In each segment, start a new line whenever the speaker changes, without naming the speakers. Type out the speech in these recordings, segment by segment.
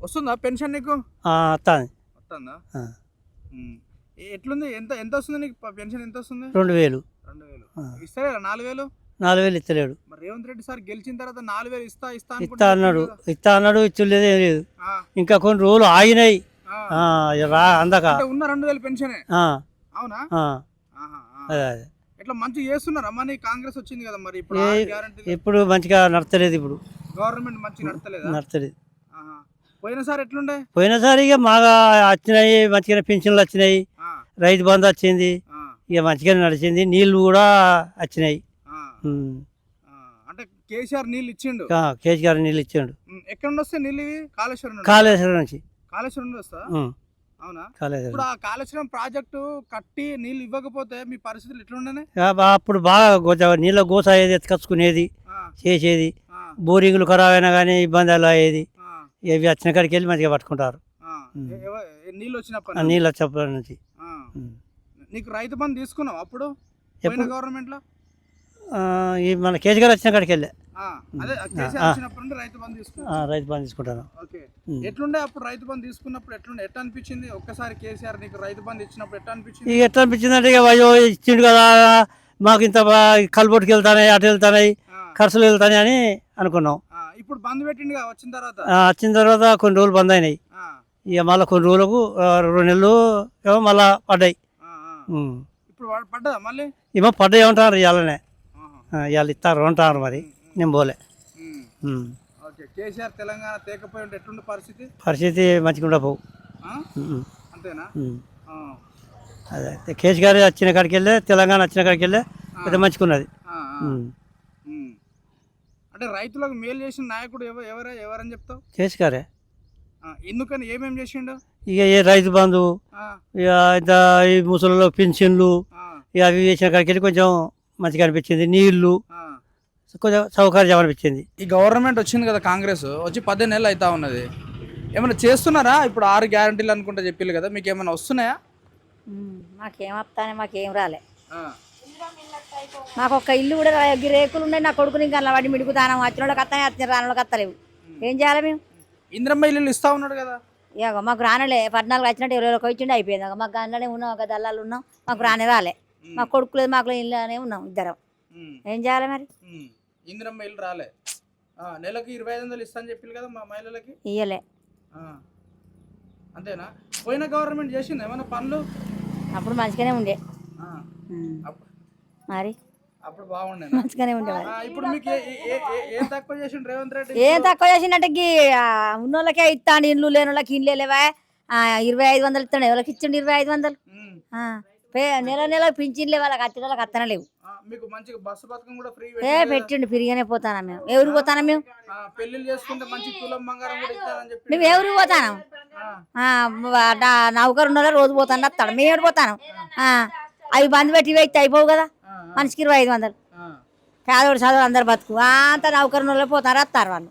వస్తుందా పెన్షన్ నీకు?
వస్తుంది.
వస్తుందా? ఎట్లుంది? ఎంత ఎంత వస్తుంది నీకు పెన్షన్? ఎంత వస్తుంది?
2000.
2000 ఇస్తలేరా? 4000
ఇస్తలేడు.
మరి రేవంత్ రెడ్డి సార్ గెలిచిన తర్వాత 4000 ఇస్తా
ఇస్తా అన్నాడు ఇచ్చలేదు, ఏం లేదు. ఇంకా కొన్ని రోజులు ఆగినాయి అందక
ఉన్న 2000 పెన్షనే. అవునా?
అదే అదే
ఎట్లా మంచిగా చేస్తున్నారా? మరి కాంగ్రెస్ వచ్చింది కదా, మరి
ఇప్పుడు మంచిగా నడతలేదు. ఇప్పుడు
గవర్నమెంట్ మంచిగా
నడతలేదు.
పోయినసారి ఎట్లుండే?
పోయినసారి ఇక బాగా వచ్చినాయి, మంచిగానే పెన్షన్లు వచ్చినాయి, రైతు బంధు వచ్చింది, ఇక మంచిగానే నడిచింది, నీళ్లు కూడా వచ్చినాయి.
అంటే కేసీఆర్ నీళ్ళు ఇచ్చిండు.
కేసీఆర్ నీళ్ళు ఇచ్చిండు.
ఎక్కడ నుండి వస్తాయి నీళ్ళు? ఇవి
కాళేశ్వరం నుంచి.
కాళేశ్వరం నుండి వస్తా? అవునా? ఇప్పుడు ఆ కాళేశ్వరం ప్రాజెక్టు కట్టి నీళ్ళు ఇవ్వకపోతే మీ పరిస్థితులు ఎట్లుండే?
అప్పుడు బాగా నీళ్ళ గోస అయ్యేది, ఎత్తుకొచ్చుకునేది, చేసేది. బోరింగ్లు ఖరాబ్ అయినా కానీ ఇబ్బందులు అయ్యేది. ఇవి వచ్చిన కాడికి వెళ్ళి మంచిగా పట్టుకుంటారు
నీళ్ళు
వచ్చినప్పటి నుంచి.
నీకు రైతు బంధు తీసుకున్నావు అప్పుడు గవర్నమెంట్ లో?
మన కేసీఆర్ వచ్చిన కాడికి వెళ్ళే
రైతు బంధు
తీసుకుంటాను.
ఎట్లుండే అప్పుడు రైతు బంధు తీసుకున్నప్పుడు? ఎట్లా అనిపించింది ఒక్కసారి కేసీఆర్ నీకు రైతు బంధు ఇచ్చినప్పుడు? ఎట్లా అనిపించింది?
ఎట్లా అనిపించింది అంటే ఇచ్చిండు కదా, మాకు ఇంత కల్బొట్టుకి వెళ్తాయి, అటు వెళ్తాయి, ఖర్చులు వెళ్తాయి అని అనుకున్నాం.
ఇప్పుడు బంద్ పెట్టిండు
వచ్చిన తర్వాత కొన్ని రోజులు బంద్ అయినాయి. ఇక మళ్ళీ కొన్ని రోజులకు 2 నెలలు ఏమో మళ్ళా పడ్డాయి.
ఇప్పుడు పడ్డా మళ్ళీ
ఏమో పడ్డాయి ఏమంటారు, ఇవాళనే ఇవాళ ఇస్తారు అంటారు. మరి నేను పోలే.
కేసీఆర్ తెలంగాణ తేకపోయి ఎట్లుండే
పరిస్థితి మంచిగా ఉండవు.
అంతేనా?
అదే కేసీఆర్ వచ్చిన కాడికి వెళ్ళే, తెలంగాణ వచ్చిన కాడికి వెళ్ళే పెద్ద మంచిగున్నది.
అంటే రైతులకు మేలు చేసిన నాయకుడు ఎవరని చెప్తావు?
కేసీఆర్.
ఎందుకని? ఏమేం చేసిండు?
ఇక ఏ రైతు బంధు, ఇక ఈ ముసలిలో పెన్షన్లు, ఇక అవి చేసిన కాడికి వెళ్ళి కొంచెం మంచిగా అనిపించింది. నీళ్లు కొంచెం సౌకర్యం అనిపించింది.
ఈ గవర్నమెంట్ వచ్చింది కదా, కాంగ్రెస్ వచ్చి 15 నెలలు అవుతా ఉన్నది. ఏమైనా చేస్తున్నారా? ఇప్పుడు 6 గ్యారంటీలు అనుకుంటా చెప్పిల్లు కదా, మీకు ఏమైనా వస్తున్నాయా?
మాకేం వస్తానే, మాకేం రాలే. మాకు ఒక్క ఇల్లు కూడా రేకులు ఉన్నాయి. నా కొడుకుని ఇంకా అలా వాడి మిడుగుతాను. వచ్చిన వాళ్ళకి వస్తానే, వచ్చిన రాని వాళ్ళకి వస్తలేవు. ఏం చేయాలి మేము?
ఇంద్రమ్మ ఇల్లు ఇస్తా ఉన్నాడు కదా.
ఇక మాకు రానలే. 14 వచ్చినట్టు 20 ఇచ్చిండే అయిపోయింది. మాకు గంటనే ఉన్నాం, ఒక దళాలు ఉన్నాం, మాకు రాలే. మా కొడుకు లేదు, మాకు ఇల్లునే ఉన్నాం ఇద్దరం. ఏం చేయాలి మరి?
ఇంద్రమ్మ ఇల్లు రాలే. నెలకు 2500 ఇస్తా అని చెప్పి కదా మా మహిళలకి.
ఇయ్యలే.
అంతేనా? పోయిన గవర్నమెంట్ చేసింది ఏమన్నా పనులు?
అప్పుడు మంచిగానే ఉండే. మరి
అప్పుడు బాగుండే,
మంచిగానే ఉండే.
ఇప్పుడు మీకు ఏం తక్కువ చేసిండు రేవంత్ రెడ్డి?
ఏం తక్కువ చేసిండే? ఉన్నోళ్ళకే ఇస్తాను, ఇల్లు లేని వాళ్ళకి ఇల్లు లేవా? 2500 ఇస్తాడు. ఎవరికి ఇచ్చిండు 2500? నెల పింఛన్లే వాళ్ళకి వచ్చిన వాళ్ళకి అత్తనలేవు. పెట్టిండు. ఫ్రీగానే పోతానా మేము. ఎవరికి పోతానా మేము? మేము ఎవరికి పోతాను? నౌకరు ఉన్న రోజు పోతాను వస్తాడు. మేము ఎవరు పోతాను? అవి బంద్ పెట్టి ఇవి అయిపోవు కదా. మనిషికి 2500. పేదోడు చదువు అందరు బతుకు అంతా నౌకరు ఉన్న వాళ్ళు పోతారు, వస్తారు వాళ్ళు.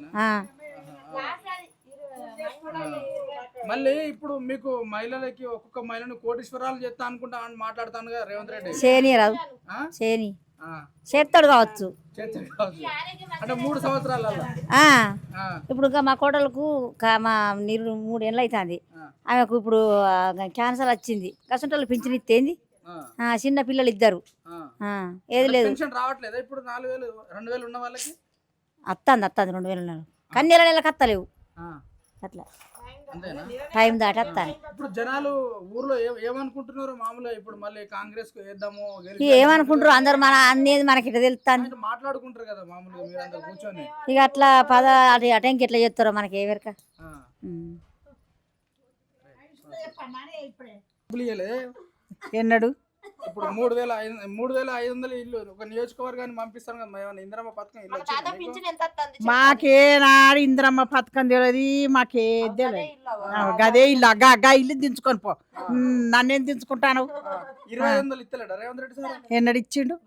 మళ్ళీ ఇప్పుడు మీకు మహిళలకి ఒక్కొక్క మహిళను కోటీశ్వరాలు చేస్తా అనుకుంటా అని మాట్లాడుతాను కదా రేవంత్ రెడ్డి.
రాదు చేస్తాడు కావచ్చు.
అంటే 3 సంవత్సరాల
ఇప్పుడు మా కోడలకు మా 3 ఏళ్ళు అవుతుంది. ఆమెకు ఇప్పుడు క్యాన్సర్ వచ్చింది. కసంటోళ్ళు పింఛన్ ఇస్తేంది. చిన్న పిల్లలు ఇద్దరు. ఏది లేదు.
రావట్లేదా ఇప్పుడు? 4000 ఉన్న వాళ్ళకి
వస్తుంది 2000 ఉన్నారు. కానీ నెలకు వస్తలేవు. అట్లా టైం దాటి వస్తాను.
ఇప్పుడు జనాలు ఊర్లో ఏమనుకుంటున్నారు మామూలుగా? ఇప్పుడు మళ్ళీ కాంగ్రెస్ వేద్దాము
ఏమనుకుంటారు అందరు? మన అనేది మనకి ఇట్లా తెలుస్తాను,
మాట్లాడుకుంటారు కదా మామూలుగా మీరందరూ కూర్చొని.
ఇక అట్లా అటెంకి ఎట్లా చేస్తారో మనకి ఎవరిక.
ఎన్నడు
ఇప్పుడు 3500 ఇల్లు ఒక నియోజకవర్గాన్ని పంపిస్తాను కదా. ఏమన్నా ఇంద్రమ్మ పథకం ఇల్లు వచ్చింది?
మాకేనాడు ఇంద్రమ్మ పథకం తెలియదు, మాకే తెలియదు. గదే ఇల్లు గా ఇల్లు దించుకొని పో. నన్నేం దించుకుంటాను?
2500 ఇస్తలేడా రేవంత్ రెడ్డి సార్?
ఎన్నడు ఇచ్చిండు?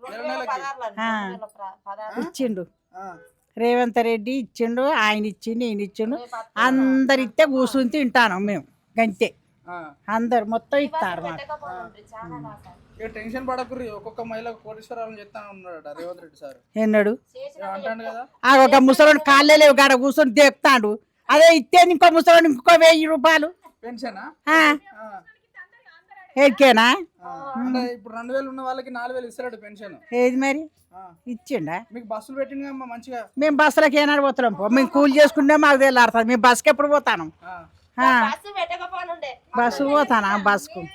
ఇచ్చిండు. రేవంత్ రెడ్డి ఇచ్చిండు, ఆయన ఇచ్చిండు, ఈయన ఇచ్చిండు. అందరు ఇస్తే కూర్చుని తింటాను మేము గంతే. అందరు మొత్తం ఇస్తారు మాకు.
టెన్షన్ పడకుర్రి, ఒక్కొక్క మహిళకు కోటీశ్వరాలను చెప్తాను ఉన్నాడు రేవంత్ రెడ్డి సార్.
ఎన్నడు
అంటాడు కదా.
ఒక ముసలోని కాళ్ళే లేవు, గాడ కూర్చొని దేపుతాడు. అదే ఇస్తే ఇంకో ముసలి ఇంకో 1000 రూపాయలు
పెన్షనా
ఎక్కేనా
అంటే ఇప్పుడు 2000 ఉన్న వాళ్ళకి 4000 ఇస్తాడు పెన్షన్.
ఏది మరి ఇచ్చిండా?
మీకు బస్సులు పెట్టింది అమ్మా మంచిగా.
మేము బస్సులకి ఏనాడు పోతున్నాం పో, మేము కూలి చేసుకుంటే మాకు తెల్లారుతుంది. మేము బస్సుకి ఎప్పుడు పోతాను? బస్సు పోతానా? బస్సుకు